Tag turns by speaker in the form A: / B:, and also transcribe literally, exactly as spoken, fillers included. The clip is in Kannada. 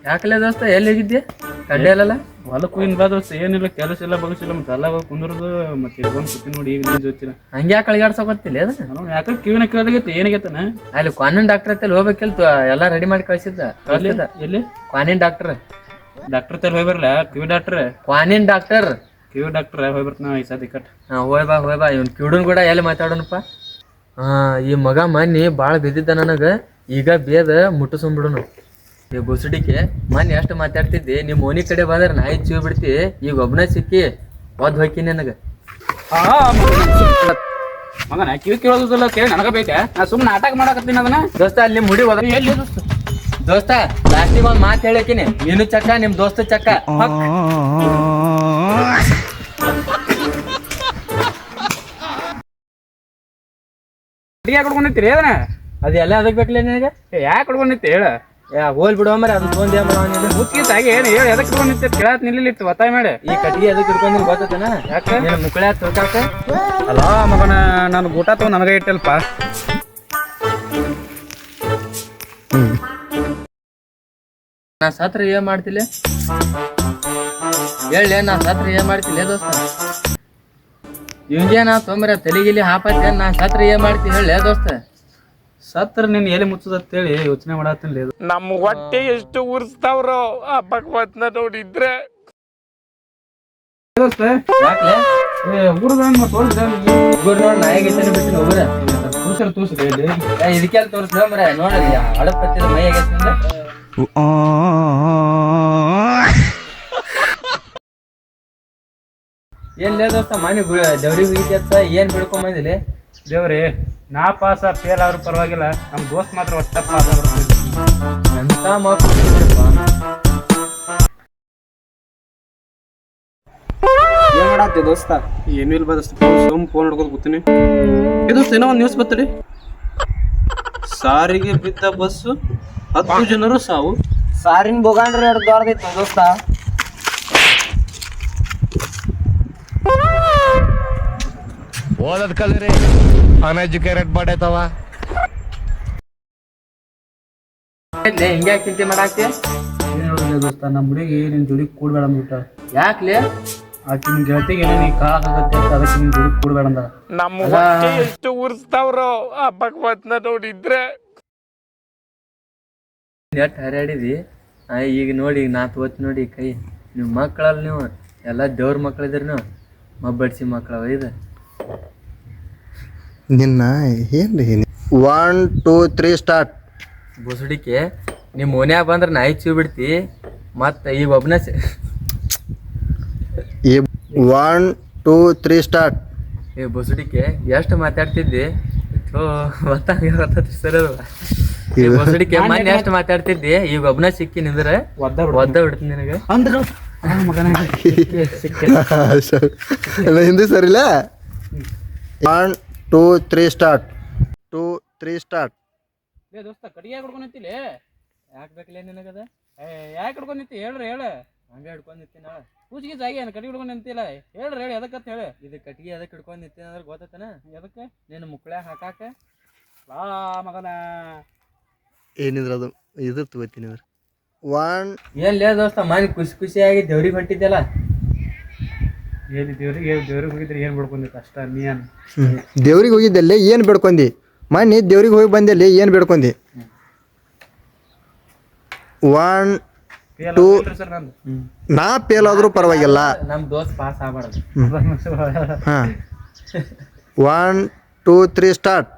A: ಯಾಕಲೆ ದೋಸ್ತ ಎಲ್ಲಿ ಹೋಗಿದ್ದೆ ಕಡ್ಡೆ ಅಲ್ಲಲ್ಲ
B: ಹೊಲಕ್ಕೆ ಹೋಗಿನ ಬಾ ದೋಸ್ತ ಏನಿಲ್ಲ ಕೆಲಸ ಇಲ್ಲ ಬಗಸಿಲ್ಲ ಮತ್ತೆ ಎಲ್ಲ ಕುಂದ್ರದು ಮತ್ತೆ ಬಂದು ಸುತ್ತಿ ನೋಡಿ ಈಗ ನೀನು ಜೊತ್ತಿಲ್ಲ
A: ಹಂಗೆ ಯಾಕೆ ಅಳಿಗಾಡ್ಸೋಕತ್ತಿಲ್ಲ ಅದು
B: ನಾನು ಯಾಕೆ ಕಿವಿನ ಕೇಳದಾಗೈತೆ ಏನಾಗೈತನ
A: ಅಲ್ಲಿ ಕ್ವಾನಿನ್ ಡಾಕ್ಟರ್ ಹತ್ತಲ್ಲಿ ಹೋಗ್ಬೇಕಿಲ್ತು ಎಲ್ಲ ರೆಡಿ ಮಾಡಿ ಕಳ್ಸಿದ್ದ ಕಳ್ಸಿದ್ದ
B: ಎಲ್ಲಿ
A: ಕ್ವಾನಿನ್ ಡಾಕ್ಟರ್
B: ಡಾಕ್ಟರ್ ತಲೆ ಹೋಗಿ ಬರಲ್ಲ ಕಿವಿ ಡಾಕ್ಟರ್
A: ಕ್ವಾನಿನ್ ಡಾಕ್ಟರ್
B: ಕಿವಿ ಡಾಕ್ಟರ್ ಹೋಗಿ ಬರ್ತಾನ ಈ ಸತಿ ಕಟ್
A: ಹಾ ಹೋಯ್ ಬಾ ಹೋಯ್ ಬಾ ಇವ್ನು ಕಿವುಡನ್ ಕೂಡ ಎಲ್ಲಿ ಮಾತಾಡೋಣಪ್ಪ ಹಾ ಈ ಮಗ ಮನ್ನಿ ಭಾಳ ಬಿದ್ದಿದ್ದ ನನಗೆ ಈಗ ಬೇದ ಮುಟ್ಟಿಸ್ಕೊಂಡ್ಬಿಡುನು ಈ ಬುಸುಡಿಕೆ ಮನ್ ಎಷ್ಟು ಮಾತಾಡ್ತಿದ್ದಿ ನಿಮ್ಮ ಓನಿ ಕಡೆ ಬಂದ್ರೆ ನಾಯಿ ಚೀವ್ ಬಿಡ್ತಿ ಈಗ ಒಬ್ಬನೇ ಸಿಕ್ಕಿ ಒದ್ ಹೋಯ್ಕಿ ನನಗೆ
B: ಮಗನ ಕಿವಿ ಕೇಳೋದಿಲ್ಲ ಕೇಳಿ ನನಗ ಬೇಕೆ ನಾ ಸುಮ್ಮನೆ ನಾಟಕ ಮಾಡಕತ್ತೀನಿ ಅದನ್ನ
A: ದೋಸ್ತ ಅಲ್ಲಿ ಮುಡಿ ಹೋದ
B: ಎಲ್ಲಿ ದೋಸ್ತ
A: ದೋಸ್ತ ಲಾಸ್ಟಿಗೆ ಒಂದು ಮಾತು ಹೇಳಕಿನಿ ನೀನು ಚಕ್ಕ ನಿಮ್ ದೋಸ್ತ ಚಕ್ಕ
B: ಯಾಕೆ ಕೊಡ್ಕೊಂಡಿರ್ತೀರಿ ಅದನ್ನ
A: ಅದು ಎಲ್ಲ ಅದಕ್ಕೆ ಬೇಕಲ್ಲ ನಿನಗೆ
B: ಯಾಕೆ ಕೊಡ್ಕೊಂಡಿರ್ತಿ ಹೇಳ
A: ಯಾ ಹೋಲ್ ಬಿಡುವ ಮರ ಅದು ತೊಂದೇ
B: ಮುಚ್ಚಿತ್ತಾಗಿ ಏನು ಹೇಳಿ ಎದಕ್ಕೆ ಕೊಡ್ಕೊಂಡಿರ್ತಿ ಕೇಳತ್ ನಿಲ್ಲಿತ್ತು ಒತ್ತಾಯ ಮಾಡಿ
A: ಈ ಕಟ್ಟಿಗೆ ಅದಕ್ಕೆ ಇಟ್ಕೊಂಡು ಗೊತ್ತನ ಯಾಕೆ ಮುಕ್ಕಳ ತಿಳ್ಕಾಕ
B: ಅಲ್ಲ ಮಗನ ನಾನು ಊಟ ತಗೊಂಡು ನನಗೆ ಇಟ್ಟಲ್ಪ
A: ನಾ ಸತ್ರ ಏನ್ ಮಾಡ್ತಿಲ್ಲ ಹೇಳ ನಾ ಸತ್ರ ಏನ್ ಮಾಡ್ತಿಲ್ಲ ದೋಸ್ತ ಇವಂಗೆ ನಾ ತೊಂಬರ ತಲೆಗಿಲಿ ಹಾಪತ್ತೆ ನಾ ಸತ್ರ ಏನ್ ಮಾಡ್ತಿ ಹೇಳ ದೋಸ್ತ
B: ಸತ್ರ ನೀನು ಎಲ್ಲಿ ಮುಚ್ಚದಂತೇಳಿ ಯೋಚನೆ ಮಾಡತ್ತಿಲ್ಲ ಇದು
C: ನಮ್ಮ ಹೊಟ್ಟೆ ಎಷ್ಟು ಉರ್ಸ್ತಾವ್ರೋ ಆ ಭಗವತ್ನ ನೋಡಿದ್ರೆ
B: ದೋಸ್ತ
A: ಯಾಕ್ಲೆ
B: ಊರದ ತೋರಿಸಿದ
A: ಊರ್ ನೋಡ್ ನಾಯಿಗೆ ಬಿಟ್ಟು ಹೋಗ್ರ
B: ತೋರ್ಸಲ್ ತೋರಿಸಿದೆ ಇಲ್ಲಿ
A: ಇದಕ್ಕೆಲ್ಲ ತೋರಿಸ್ದ ಮರ ನೋಡ್ರಿ ಹಳಪ್ ಹತ್ತಿದ ಮೈ ಆಗೈತೆ ಏನ್ ಲೇ ದೋಸ್ತ ಮನೆ ದೇವ್ರಿಗೆ ಹೋಗಿದ್ಯತ್ತ ಏನ್ ಬಿಡ್ಕೊಂಬಂದಿಲ್ಲ
B: ದೇವ್ರಿ ನಾ ಪಾಸ ಫೇಲ್ ಆದ್ರೂ ಪರವಾಗಿಲ್ಲ ನಮ್ಮ ದೋಸ್ತ್ ಮಾತ್ರ ಒಟ್ಟ ಪಾಸ್ ಆಗ್ಬಿಡ್ತೀವಿ
A: ಎಂತ ಮಕ್ಕಳು
B: ಏನ್ ಮಾಡತ್ತಿ ದೋಸ್ತ ಏನು ಇಲ್ಲ ದೋಸ್ತ ಸುಮ್ ಫೋನ್ ಹಿಡ್ಕೊಂಡು ಕೂತೀನಿ ಇದು ಏನೋ ಒಂದು ನ್ಯೂಸ್ ಬರ್ತಡಿ ಸಾರಿಗೆ ಬಿದ್ದ ಬಸ್ಸು ಹತ್ತು ಜನರು ಸಾವು
A: ಸಾರಿನ ಬೋಗಾಂಡ್ರೆ ಎರಡು ದೊಡ್ಡದಿತ್ತು ದೋಸ್ತ
C: ಓದದ್ ಕಲ್ರಿ ಅನ್ಎಜುಕೇಟೆಡ್ ಮಾಡೈತವ
A: ಹಿಂಗ್ಯಾ ಚಿಂತೆ ಮಾಡಾಕ್ತಿ
B: ದೋಸ್ತ ನಮ್ಮ ಹುಡುಗಿ ನಿನ್ ಜೋಡಿ ಕೂಡ್ಬೇಡ ಅಂದ್ಬಿಟ್ಟ
A: ಯಾಕ್ಲೆ
B: ಆಕಿ ನಿನ್ ಗೆಳತಿಗೆ ಏನೋ ನೀ ಕಾಳಾಗತ್ತೆ ಅಂತ ಅದಕ್ಕೆ ನಿನ್ ಜೋಡಿ ಕೂಡ್ಬೇಡ ಅಂದ
C: ನಮ್ಮ ಹೊಟ್ಟೆ ಎಷ್ಟು ಉರ್ಸ್ತಾವ್ರೋ ಆ ಭಗವತ್ನ ನೋಡಿದ್ರೆ
A: ಎಟ್ ಹರ್ಯಾಡಿದಿ ಈಗ ನೋಡಿ ನಾ ತೋತ್ ನೋಡಿ ಕೈ ನೀವು ಮಕ್ಕಳಲ್ಲ ನೀವು ಎಲ್ಲ ದೇವ್ರ ಮಕ್ಳಿದ್ರಿ ನೀವು ಮಬ್ಬಡ್ಸಿ ಮಕ್ಕಳವ ಇದು
D: ನಿನ್ನ ಏನ್ರಿ ಒನ್ ಟೂ ತ್ರೀ ಸ್ಟಾರ್ಟ್
A: ಬುಸುಡಿಕೆ ನಿಮ್ಮ ಮನ್ಯಾಗ ಬಂದ್ರೆ ನಾಯಿ ಚೀವ್ ಬಿಡ್ತಿ ಮತ್ತು ಈಗ ಒಬ್ಬನ
D: ಒನ್ ಟೂ ತ್ರೀ ಸ್ಟಾರ್ಟ್
A: ಈ ಬುಸುಡಿಕೆ ಎಷ್ಟು ಮಾತಾಡ್ತಿದ್ದಿ ಥೋ ಗೊತ್ತಾಗ ಸರ್ ಬುಸುಡಿಕೆ ಮೊನ್ನೆ ಎಷ್ಟು ಮಾತಾಡ್ತಿದ್ದಿ ಈಗ ಒಬ್ಬನ ಸಿಕ್ಕಿ ನಿಂದ್ರೆ
B: ಒದ್ದ
A: ಒದ್ದ ಬಿಡ್ತೀನಿ ನಿನಗೆ
B: ಅಂದ್ರೆ ಮಗನ
D: ಹಿಂದಿ ಸರಿಲ್ಲ one two three start two three start
B: ಏ ದೋಸ್ತ ಕಡಿಗೆ ಹಿಡ್ಕೊಂಡಿತ್ತಿಲ್ಲ
A: ಯಾಕೆ ಬೇಕಲೇ ನಿನಗದ
B: ಏ ಯಾಕೆ ಹಿಡ್ಕೊಂಡಿತ್ತಿ ಹೇಳ್ರಿ ಹೇಳ
A: ಹಂಗೆ ಹಿಡ್ಕೊಂಡು ನಿಂತೀನಿ ನಾಳೆ
B: ಪೂಜಿಗೆ ಜಾಗಿ ಏನು ಕಡಿಗೆ ಹಿಡ್ಕೊಂಡು ನಿಂತಿಲ್ಲ ಹೇಳ್ರಿ ಹೇಳಿ ಎದಕ್ಕಂತ ಹೇಳಿ
A: ಇದು ಕಟ್ಟಿಗೆ ಅದಕ್ಕೆ ಹಿಡ್ಕೊಂಡು ನಿಂತೀನಿ ಅಂದ್ರೆ ಗೊತ್ತತನ
B: ಎದಕ್ಕೆ
A: ನೀನು ಮುಕ್ಕಳ್ಯಾಗ ಹಾಕಾಕ
B: ಲಾ ಮಗನ
D: ಏನಿದ್ರ ಅದು ಇದ್ರ ತಗೋತೀನಿ ಅವ್ರು ಒನ್
A: ಏನ್ ಲೇ ದೋಸ್ತ ಮನೆ ಖುಷಿ ಖುಷಿಯಾಗಿ ದೇವ್ರಿಗೆ ಹೊಂಟಿದ್ದಲ್ಲ
B: ಏನು ದೇವ್ರಿಗೆ ದೇವ್ರಿಗೆ ಹೋಗಿದ್ರೆ ಏನು ಬಿಡ್ಕೊಂಡಿತ್ತು ಅಷ್ಟ ನೀ ಏನು
D: ದೇವ್ರಿಗೆ ಹೋಗಿದ್ದಲ್ಲಿ ಏನು ಬೇಡ್ಕೊಂಡಿ ಮಣ್ಣಿ ದೇವ್ರಿಗೆ ಹೋಗಿ ಬಂದಲ್ಲಿ ಏನು ಬೇಡ್ಕೊಂಡಿ ಒನ್ ಟೂ
B: ಸರ್ ನಂದು
D: ನಾ ಫೇಲ್ ಆದ್ರೂ ಪರವಾಗಿಲ್ಲ
A: ನಮ್ ದೋಸ್ತ್ ಪಾಸ್ ಆಗ್ಬಾರ್ದು
D: ಹಾಂ ಒನ್ ಟೂ ತ್ರೀ ಸ್ಟಾರ್ಟ್